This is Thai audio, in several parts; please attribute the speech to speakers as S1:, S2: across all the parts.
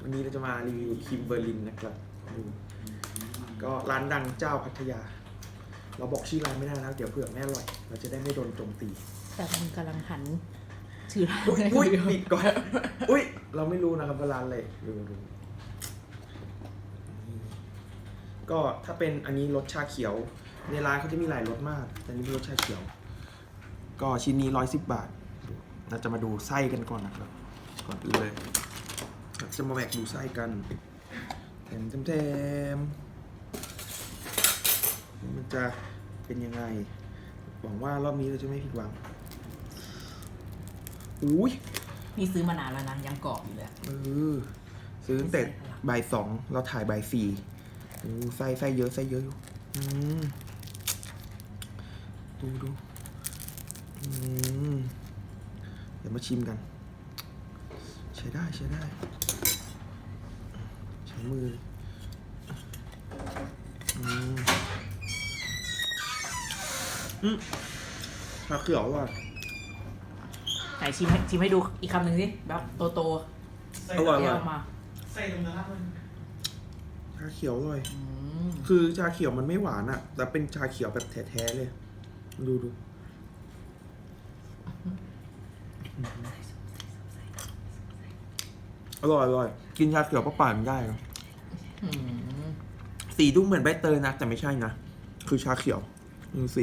S1: วันนี้เราจะมารีวิวคิมเบอร์ลินนะครับดูก็ร้านดังเจ้าพัทยา เราบอกชื่อร้านไม่ได้นะเดี๋ยวเผื่อไม่อร่อยเราจะได้ไม่โดนโจมตี
S2: แต่มันกำลังหันชื่อร้าน
S1: อุ้ยปิดก่อนอุ้ยเราไม่รู้นะครับว่าร้านอะไรดูก็ถ้าเป็นอันนี้รสชาเขียวในร้านเขาจะมีหลายรสมากแต่นี่เป็นรสชาเขียว ก็ชิ้นนี้110 บาทเราจะมาดูไส้กันก่อนนะครับก่อนอื่นเลยจะมาแบกดูไส้กันแถมมันจะเป็นยังไงหวังว่ารอบนี้เราจะไม่ผิดหวังอุ้ย
S2: นี่ซื้อมานานแล้วนะยังกรอบอยู่เลย
S1: ซื้อตั้งแต่บ่าย2เราถ่ายบ่าย4ไส้เยอะอยู่ดูเดี๋ยวมาชิมกันใช้ได้ใช้มือชาเขียวว่ะ
S2: ไหนชิมให้ดูอีกคำหนึ่งสิแบบโต
S1: อร่อย
S2: เดี๋ยว
S1: ว่ะ
S2: มา
S3: ใส่ตรงนั้นมัน
S1: ชาเขียวอร่อยคือชาเขียวมันไม่หวานอะแต่เป็นชาเขียวแบบแท้ๆเลยดูอร่อยกินชาเขียวเปล่าๆมันได้นะสีดูเหมือนใบเตยนะแต่ไม่ใช่นะคือชาเขียวดูสี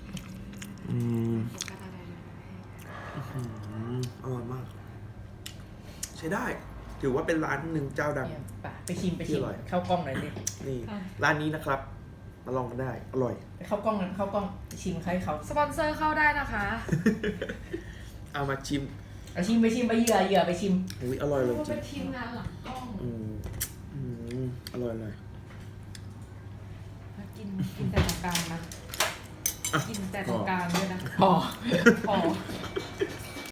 S1: อร่อยมาก ใช้ได้ถือว่าเป็นร้านหนึ่งเจ้าดัง
S2: ไปชิม
S1: ที่อร่อย
S2: เข้ากล้องหน่อยดิ
S1: นี่ร้านนี้นะครับ มาลองกันได้อร่อย
S2: ไปเข้ากล้องไปชิมใครเขา
S4: สปอนเซอร์เข้าได้นะคะ
S1: เอามาชิม
S2: ไปชิมไปเหยื่อไปชิม
S1: อุ้ยอร่อยเลย
S4: ว่า
S1: จริ
S4: เป็
S1: ง
S4: นทีมงานหลังกล้อง
S1: อร่อยเลย
S4: กินแต่ตรงกลางนะ กินแต่ตรงกลางด้วยนะ
S2: อ๋อ
S4: พอ